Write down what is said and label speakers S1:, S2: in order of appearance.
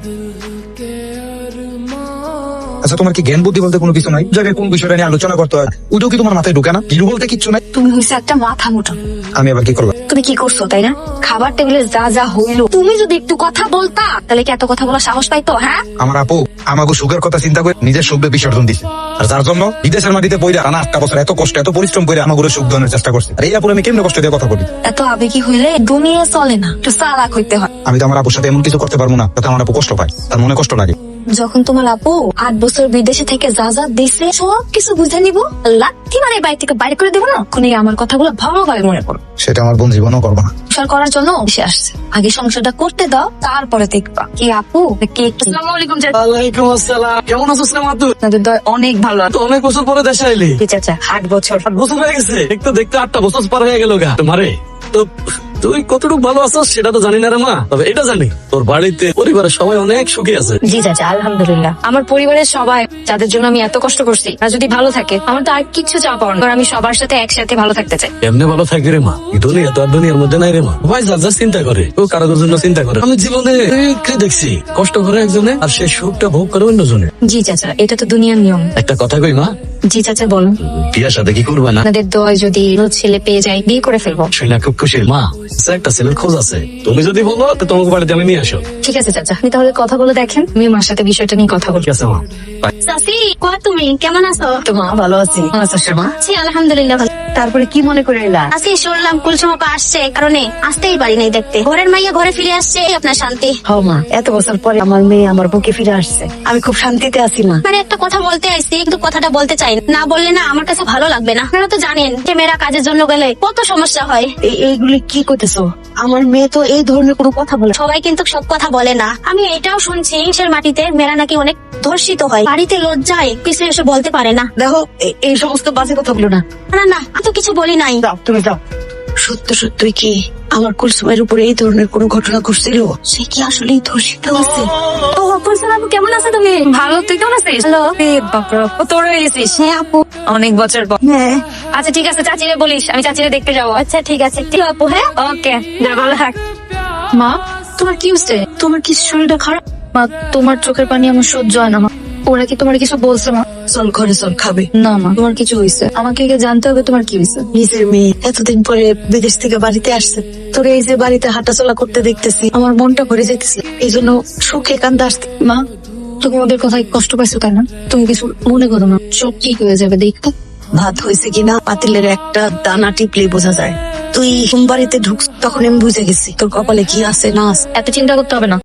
S1: আচ্ছা, তোমার কি জ্ঞান বুদ্ধি বলতে কোনো কিছু নাই? জায়গায় কোন বিষয়টা নিয়ে আলোচনা করতে হয় ওইটাও কি তোমার মাথায় ঢুকে না? হিরো বলতে কিচ্ছু নাই।
S2: তুমি হইছে একটা মাথা মোটা।
S1: আমি আবার কি করলাম?
S2: তুমি কি করছো তাই না? খাবার টেবিলে যা যা হইলো, তুমি যদি একটু কথা বলতা তাহলে কি এত কথা বলার সাহস পাইতো? হ্যাঁ,
S1: আমার আপু আমাকে সুখের কথা চিন্তা করে নিজের সুখে বিসর্জন দিছে, আর যার জন্য বিদেশের মাটিতে পয়রা টানা 8টা বছর এত কষ্ট এত পরিশ্রম করে আমাকে সুখ দেওয়ার চেষ্টা করছে। আর এই আপুর আমি কেমনে কষ্ট দিয়ে কথা বলি?
S2: এত আবেগী হইলে দুনিয়া চলে না, একটু চালাক হইতে হয়।
S1: আমি তো আমার আপুর সাথে এমন কিছু করতে পারবো না যাতে আমার আপু কষ্ট পায়, তার মনে কষ্ট লাগে।
S2: যখন তোমার আপু 8 বছর বিদেশে থেকে যা যা দিছে সব কিছু বুঝে নিব, লাথি মারে বাড়ি থেকে বাইরে করে দেবো না, ওখানে আমার কথাগুলো ভালোভাবে মনে করো।
S1: সেটা আমার বোন জীবনও করবো না।
S2: সংসার করার জন্য সে আসছে, আগে সংসারটা করতে দাও, তারপরে দেখবা। কি আপু কি একটু আসসালামু আলাইকুম।
S3: ওয়ালাইকুম আসসালাম। কেমন আছো সালাম?
S2: আপনাদের দয় অনেক ভালো।
S3: তো অনেক বছর পরে দেশে আইলি।
S2: কি চাচা 8 বছর?
S3: 8 বছর হয়ে গেছে। দেখতে দেখতে 8টা বছর পার হয়ে গেল গা। তোমারে তো তুই কতটুকু ভালো আছো সেটা তো জানি না রে মা, তবে এটা জানি তোর বাড়িতে পরিবারের সবাই অনেক সুখী আছে।
S2: জি চাচা, আলহামদুলিল্লাহ। আমার পরিবারের সবাই যাদের জন্য আমি এত কষ্ট করছি আর যদি ভালো থাকে, আমার তো আর কিছু চাওয়া পাওয়া না। আমি সবার সাথে একসাথে ভালো থাকতে চাই।
S3: এমনি ভালো থাকবে রে মা, এই দুনিয়া তো আর দুনিয়ার মধ্যে নাই রে মা। ভাই যা যা চিন্তা করে ও কারোর জন্য চিন্তা করে। আমি জীবনে অনেককে দেখছি কষ্ট করে একজনে আর সে সুখটা ভোগ করে অন্যজনে।
S2: জি চাচা, এটা তো দুনিয়ার নিয়ম।
S3: একটা কথা কই মা,
S2: জি চাচা বলুন।
S3: বিয়ার সাথে কি করবে না?
S2: আপনাদের দয় যদি ছেলে পেয়ে যায়, বিয়ে করে ফেলবো।
S3: শুনে খুব খুশি মা। একটা ছেলের খোঁজ আছে, তুমি যদি বলো তো তোমাকে বাড়িতে আমি নিয়ে আসো।
S2: ঠিক আছে চাচা, আপনি তাহলে কথা বলে দেখেন, আমি মার সাথে বিষয়টা নিয়ে কথা বলি।
S3: ঠিক আছে মা।
S4: চাচি, কয় তুমি কেমন আছো?
S2: তো মা ভালো আছি। ভালো আছো মা?
S4: জি আলহামদুলিল্লাহ ভালো।
S2: তারপরে কি মনে করে এলা?
S4: আজকে শুনলাম কুলসুম আপা আসছে, কারণে আসতেই পারি নাই দেখতে। ঘরের মাইয়া ঘরে ফিরে আসছে, এই আপনার শান্তি।
S2: হ্যাঁ মা, এত বছর পরে আমার মেয়ে আমার বুকে ফিরে আসছে, আমি খুব শান্তিতে আছি মা।
S4: মানে একটা কথা বলতে আইছি, কিন্তু কথাটা বলতে চাই না। না বললে না আমার কাছে ভালো লাগবে না। আপনারা তো জানেন যে মেয়েরা কাজের জন্য গেলে কত সমস্যা হয়।
S2: এইগুলি কি করতেছো? আমার মেয়ে তো এই ধরনের কোনো কথা বলে।
S4: সবাই কিন্তু সব কথা বলে না। আমি এটাও শুনছি দেশের মাটিতে মেয়েরা নাকি অনেক ধর্ষিত হয়, বাড়িতে লজ্জায় কিছু এসে বলতে পারে না।
S2: দেখো এই সমস্ত বাজে কথাগুলো না।
S4: না না, আমি তো কিছু বলি নাই।
S2: যাও তুমি যাও। সত্য সত্যই কি আমার কুলসুমের উপরে এই ধরনের কোনো ঘটনা ঘটছিল? সে কি আসলেই ধর্ষিত হয়েছে?
S4: ও কুলসুম আপু কেমন আছো তুমি?
S2: ভালো, তুই কেমন আছিস?
S4: হ্যালো।
S2: বাপরা, তোর হয়ে গেছিস?
S4: হ্যাঁ আপু।
S2: অনেক বছর পর।
S4: হ্যাঁ
S2: আচ্ছা ঠিক আছে, চাচিরে বলিস আমি চাচিরে দেখতে যাবো।
S4: আচ্ছা ঠিক আছে, ঠিক আপু। হ্যাঁ
S2: ওকে, যা ভালো থাক। মা, তোমার কি হচ্ছে? তোমার কি শরীরটা খারাপ? মা, তোমার চোখের পানি আমার সহ্য হয় না মা। ওরা কি তোমার কিছু বলছে মা? চল ঘরে চল, খাবে না মা? তোমার কিছু হয়েছে, আমাকে জানতে হবে তোমার কি হয়েছে। নিজের মেয়ে এতদিন পরে বিদেশ থেকে বাড়িতে আসছে, তোর এই যে বাড়িতে হাঁটাচলা করতে দেখতেছি, আমার মনটা ভরে যেতেছে। এই জন্য সুখে কান্দা আসতে। মা, তুমি ওদের কথায় কষ্ট পাইছো তাই না? তুমি কিছু মনে করো না, সব ঠিক হয়ে যাবে। দেখো ভাত হয়েছে কিনা পাতিলের একটা দানা টিপলেই বোঝা যায়। তুই বাড়িতে ঢুকছ তখন আমি বুঝে গেছি তোর কপালে কি আছে না আছে। এত চিন্তা করতে হবে না।